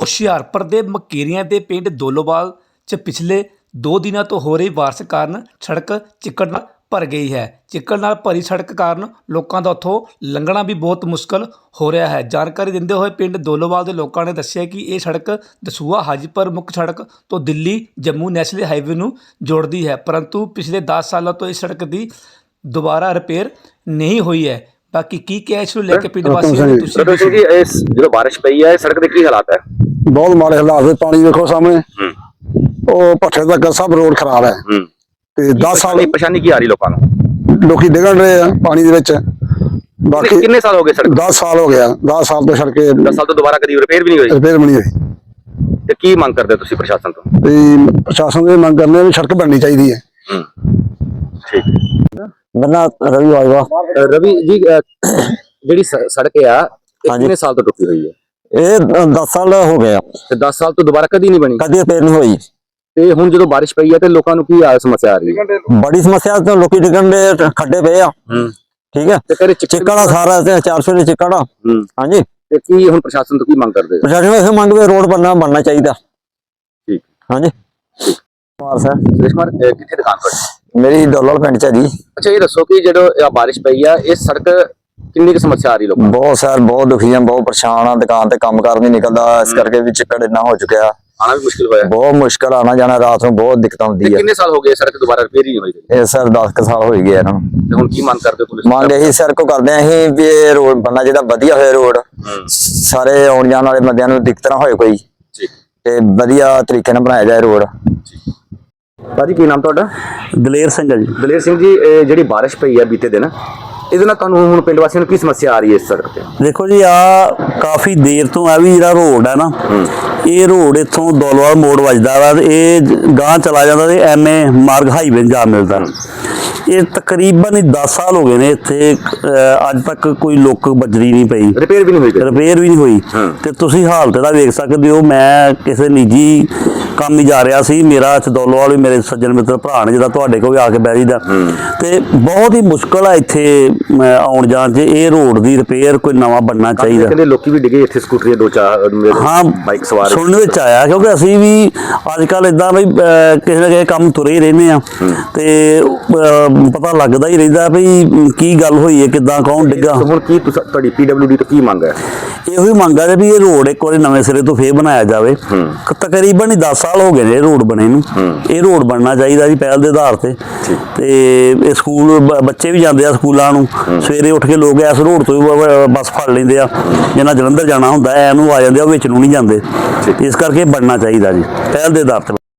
ਹੁਸ਼ਿਆਰਪੁਰ ਦੇ ਮਕੇਰੀਆਂ ਦੇ ਪਿੰਡ ਦੋਲੋਵਾਲ 'ਚ ਪਿਛਲੇ 2 ਦਿਨਾਂ ਤੋਂ ਹੋ ਰਹੀ ਬਾਰਿਸ਼ ਕਾਰਨ ਸੜਕ ਚਿੱਕੜ ਨਾਲ ਭਰ ਗਈ ਹੈ। ਚਿੱਕੜ ਨਾਲ ਭਰੀ ਸੜਕ ਕਾਰਨ ਲੋਕਾਂ ਦਾ ਉੱਥੋਂ ਲੰਘਣਾ ਵੀ ਬਹੁਤ ਮੁਸ਼ਕਲ ਹੋ ਰਿਹਾ ਹੈ। ਜਾਣਕਾਰੀ ਦਿੰਦੇ ਹੋਏ ਪਿੰਡ ਦੋਲੋਵਾਲ ਦੇ ਲੋਕਾਂ ਨੇ ਦੱਸਿਆ ਕਿ ਇਹ ਸੜਕ ਦਸੂਹਾ ਹਾਜੀਪੁਰ ਮੁੱਖ ਸੜਕ ਤੋਂ ਦਿੱਲੀ ਜੰਮੂ ਨੈਸ਼ਨਲ ਹਾਈਵੇ ਨੂੰ ਜੋੜਦੀ ਹੈ, ਪਰੰਤੂ ਪਿਛਲੇ 10 ਸਾਲਾਂ ਤੋਂ ਇਸ ਸੜਕ ਦੀ ਦੁਬਾਰਾ ਰਿਪੇਅਰ ਨਹੀਂ ਹੋਈ ਹੈ। ਬਾਕੀ ਕੀ ਕਿਹਾ ਇਸ ਨੂੰ ਲੈ ਕੇ ਪਿੰਡ ਵਾਸੀਆਂ ਨੇ ਤੁਸੀਂ ਜੀ ਇਸ ਜਦੋਂ ਬਾਰਿਸ਼ ਪਈ ਹੈ ਸੜਕ ਦੇ ਕੀ ਹਾਲਾਤ ਹੈ? ਬਹੁਤ ਮਾੜੇ ਹਾਲਾਤ ਹੈ। ਪਾਣੀ ਵੇਖੋ ਸਾਹਮਣੇ, ਉਹ ਭੱਠੇ ਤੱਕ ਸਭ ਰੋਡ ਖਰਾਬ ਹੈ ਤੇ 10 ਸਾਲ ਦੀ ਪਰੇਸ਼ਾਨੀ ਕੀ ਆ ਰਹੀ ਲੋਕਾਂ ਨੂੰ? ਲੋਕੀ ਡਿੱਗਣ ਰਹੇ ਆ ਪਾਣੀ ਦੇ ਵਿੱਚ। ਬਾਕੀ ਕਿੰਨੇ ਸਾਲ ਹੋ ਗਏ ਸੜਕ? 10 ਸਾਲ ਹੋ ਗਿਆ। 10 ਸਾਲ ਤੋਂ ਸੜਕੇ 10 ਸਾਲ ਤੋਂ ਦੁਬਾਰਾ ਕਦੀ ਰਿਪੇਅਰ ਵੀ ਨਹੀਂ ਹੋਈ। ਰਿਪੇਅਰ ਬਣੀ ਹੋਈ ਤੇ ਕੀ ਮੰਗ ਕਰਦੇ ਤੁਸੀਂ ਪ੍ਰਸ਼ਾਸਨ ਤੋਂ? ਤੇ ਪ੍ਰਸ਼ਾਸਨ ਦੀ ਮੰਗ ਕਰਨੇ ਵੀ ਸੜਕ ਬਣਨੀ ਚਾਹੀਦੀ ਹੈ। ਠੀਕ। ਬੰਨਾ ਰਵੀ ਵਾਜਵਾ। ਰਵੀ ਜੀ ਜਿਹੜੀ ਸੜਕ ਆ ਕਿੰਨੇ ਸਾਲ ਤੋਂ ਟੁੱਟੀ ਹੋਈ ਹੈ? ਇਹ 10 ਸਾਲ ਹੋ ਗਿਆ ਤੇ 10 ਸਾਲ ਤੋਂ ਦੁਬਾਰਾ ਕਦੀ ਨਹੀਂ ਬਣੀ? ਕਦੀ ਰਿਪੇਅਰ ਨਹੀਂ ਹੋਈ। ਤੇ ਹੁਣ ਜਦੋਂ ਬਾਰਿਸ਼ ਪਈ ਹੈ ਤੇ ਲੋਕਾਂ ਨੂੰ ਕੀ ਸਮੱਸਿਆ ਆ ਰਹੀ ਹੈ? ਬੜੀ ਸਮੱਸਿਆ ਤੇ ਲੋਕੀ ਡਿੱਗਣ ਦੇ ਖੱਡੇ ਪਏ ਆ। ਠੀਕ ਹੈ, ਤੇ ਚਿੱਕੜਾ ਸਾਰਾ ਤੇ 400 ਦੇ ਚਿੱਕੜਾ। ਹਾਂਜੀ, ਤੇ ਕੀ ਹੁਣ ਪ੍ਰਸ਼ਾਸਨ ਤੋਂ ਕੀ ਮੰਗ ਕਰਦੇ? ਪ੍ਰਸ਼ਾਸਨ ਇਹ ਮੰਗ ਵੀ ਰੋਡ ਬਣਨਾ ਚਾਹੀਦਾ। ਠੀਕ। ਹਾਂਜੀ। ਕੁਮਾਰ ਸਰ। ਸੁਰੇਸ਼ ਕੁਮਾਰ ਕਿੱਥੇ ਦੁਕਾਨ ਤੁਹਾਡੀ? ਮੇਰੀ ਡੋਲਰ ਪਿੰਡ ਚ ਹੈ ਜੀ। ਅੱਛਾ, ਇਹ ਦੱਸੋ ਕਿ ਜਦੋਂ ਬਾਰਿਸ਼ ਪਈ ਆ ਇਹ ਸੜਕ ਕਿੰਨੀ ਕੁ ਸਮੱਸਿਆ ਆ ਰਹੀ ਲੋਕਾਂ ਨੂੰ? ਬਹੁਤ ਸਰ, ਬਹੁਤ ਦੁਖੀ ਆ, ਬਹੁਤ ਪਰੇਸ਼ਾਨ ਆ। ਦੁਕਾਨ ਤੇ ਕੰਮ ਕਰ ਨਹੀਂ ਨਿਕਲਦਾ, ਇਸ ਕਰਕੇ ਵੀ ਚਿੱਕੜ ਇੰਨਾ ਹੋ ਚੁੱਕਿਆ। ਆਣਾ ਵੀ ਮੁਸ਼ਕਿਲ ਹੋਇਆ। ਬਹੁਤ ਮੁਸ਼ਕਲ ਆਣਾ ਜਾਣਾ, ਰਾਤ ਨੂੰ ਬਹੁਤ ਦਿੱਕਤ ਆਉਂਦੀ ਹੈ। ਕਿੰਨੇ ਸਾਲ ਹੋ ਗਏ ਸੜਕ ਦੁਬਾਰਾ ਰਿਪੇਅਰ ਹੀ ਨਹੀਂ ਹੋਈ? ਇਹ ਸਰ 10 ਸਾਲ ਹੋ ਗਏ ਇਹਨਾਂ ਨੂੰ। ਤੇ ਹੁਣ ਕੀ ਮੰਗ ਕਰਦੇ ਪੁਲਿਸ? ਮੰਗ ਇਹੀ ਸਰ ਕੋ ਕਰਦੇ ਆ ਅਸੀਂ ਵੀ ਇਹ ਰੋਡ ਬਣਨਾ ਜਿਹੜਾ ਵਧੀਆ ਹੋਇਆ ਰੋਡ, ਸਾਰੇ ਆਉਣ ਜਾਣ ਵਾਲੇ ਬੰਦਿਆਂ ਨੂੰ ਦਿੱਕਤ ਨਾ ਹੋਏ ਕੋਈ, ਤੇ ਵਧੀਆ ਤਰੀਕੇ ਨਾਲ ਬਣਾਇਆ ਜਾਏ ਰੋਡ। ਭਾਜੀ ਕੀ ਨਾਮ ਤੁਹਾਡਾ? ਦਲੇਰ ਸਿੰਘ ਜੀ। ਦਲੇਰ ਸਿੰਘ ਜੀ, ਜਿਹੜੀ ਬਾਰਿਸ਼ ਪਈ ਹੈ ਬੀਤੇ ਦਿਨ, ਇਹਦੇ ਨਾਲ ਤੁਹਾਨੂੰ ਹੁਣ ਪਿੰਡ ਵਾਸੀਆਂ ਨੂੰ ਕੀ ਸਮੱਸਿਆ ਆ ਰਹੀ ਹੈ ਇਸ ਸੜਕ ਤੇ? ਦੇਖੋ ਜੀ, ਆ ਕਾਫੀ ਦੇਰ ਤੋਂ ਆ ਵੀ ਜਿਹੜਾ ਰੋਡ ਹੈ ਨਾ, ਇਹ ਰੋਡ ਇੱਥੋਂ ਦੋਲੋਵਾਲ ਮੋੜ ਵੱਜਦਾ ਵਾ, ਇਹ ਗਾਂ ਚਲਾ ਜਾਂਦਾ ਤੇ ਐਮਏ ਮਾਰਗ ਹਾਈਵੇ ਜਾ ਮਿਲਦਾ। ਇਹ ਤਕਰੀਬਨ 10 ਸਾਲ ਹੋ ਗਏ ਨੇ ਇੱਥੇ, ਅੱਜ ਤੱਕ ਕੋਈ ਲੁੱਕ ਬੱਜਰੀ ਨਹੀਂ ਪਈ, ਰਿਪੇਅਰ ਵੀ ਨਹੀਂ ਹੋਈ। ਤੇ ਤੁਸੀਂ ਹਾਲਤ ਦਾ ਵੇਖ ਸਕਦੇ ਹੋ। ਮੈਂ ਕਿਸੇ ਨਿੱਜੀ ਕੰਮ ਹੀ ਜਾ ਰਿਹਾ ਸੀ, ਮੇਰਾ ਇੱਥੇ ਦੋਲੋਵਾਲ ਵੀ ਮੇਰੇ ਸੱਜਣ ਮਿੱਤਰ ਭਰਾ ਨੇ ਜਿਹੜਾ ਤੁਹਾਡੇ ਕੋਲ ਵੀ ਆ ਕੇ ਬਹਿ ਜੀਦਾ, ਤੇ ਬਹੁਤ ਹੀ ਮੁਸ਼ਕਲ ਆ ਇੱਥੇ ਆਉਣ ਜਾਣ 'ਚ। ਇਹ ਰੋਡ ਦੀ ਰਿਪੇਅਰ ਕੋਈ ਨਵਾਂ ਬਣਨਾ ਚਾਹੀਦਾ। ਕਹਿੰਦੇ ਲੋਕੀ ਵੀ ਡਿੱਗੇ ਇੱਥੇ, ਸਕੂਟਰੀ 2-4 ਹਾਂ ਬਾਈਕ ਸਵਾਰ ਸੁਣਨ ਵਿੱਚ ਆਇਆ, ਕਿਉਂਕਿ ਅਸੀਂ ਵੀ ਅੱਜ ਕੱਲ ਇਦਾਂ ਵੀ ਕਿਸੇ ਨਾ ਕਿਸੇ ਕੰਮ ਤੁਰੇ ਹੀ ਰਹਿੰਦੇ ਆ, ਤੇ ਪਤਾ ਲੱਗਦਾ ਹੀ ਰਹਿੰਦਾ ਵੀ ਕੀ ਗੱਲ ਹੋਈ ਹੈ, ਕਿੱਦਾਂ ਕੌਣ ਡਿੱਗਾ। ਹੁਣ ਕੀ ਤੁਹਾਡੀ PWD ਤੋਂ ਕੀ ਮੰਗ ਹੈ? ਇਹੋ ਹੀ ਮੰਗ ਹੈ ਵੀ ਇਹ ਰੋਡ ਇੱਕ ਵਾਰੀ ਨਵੇਂ ਸਿਰੇ ਤੋਂ ਫੇਰ ਬਣਾਇਆ ਜਾਵੇ। ਤਕਰੀਬਨ 10 ਸਾਲ ਹੋ ਗਏ ਨੇ ਇਹ ਰੋਡ ਬਣੇ ਨੂੰ। ਇਹ ਰੋਡ ਬਣਨਾ ਚਾਹੀਦਾ ਜੀ ਪਹਿਲ ਦੇ ਆਧਾਰ ਤੇ। ਤੇ ਇਹ ਸਕੂਲ ਬੱਚੇ ਵੀ ਜਾਂਦੇ ਆ ਸਕੂਲਾਂ ਨੂੰ, ਸਵੇਰੇ ਉੱਠ ਕੇ ਲੋਕ ਇਸ ਰੋਡ ਤੋਂ ਬੱਸ ਫੜ ਲੈਂਦੇ ਆ, ਜਿਹਨਾਂ ਜਲੰਧਰ ਜਾਣਾ ਹੁੰਦਾ ਐ ਨੂੰ ਆ ਜਾਂਦੇ ਆ, ਉਹ ਵਿੱਚ ਨੂੰ ਨਹੀਂ ਜਾਂਦੇ। ਇਸ ਕਰਕੇ ਬਣਨਾ ਚਾਹੀਦਾ ਜੀ ਪਹਿਲ ਦੇ ਆਧਾਰ ਤੇ।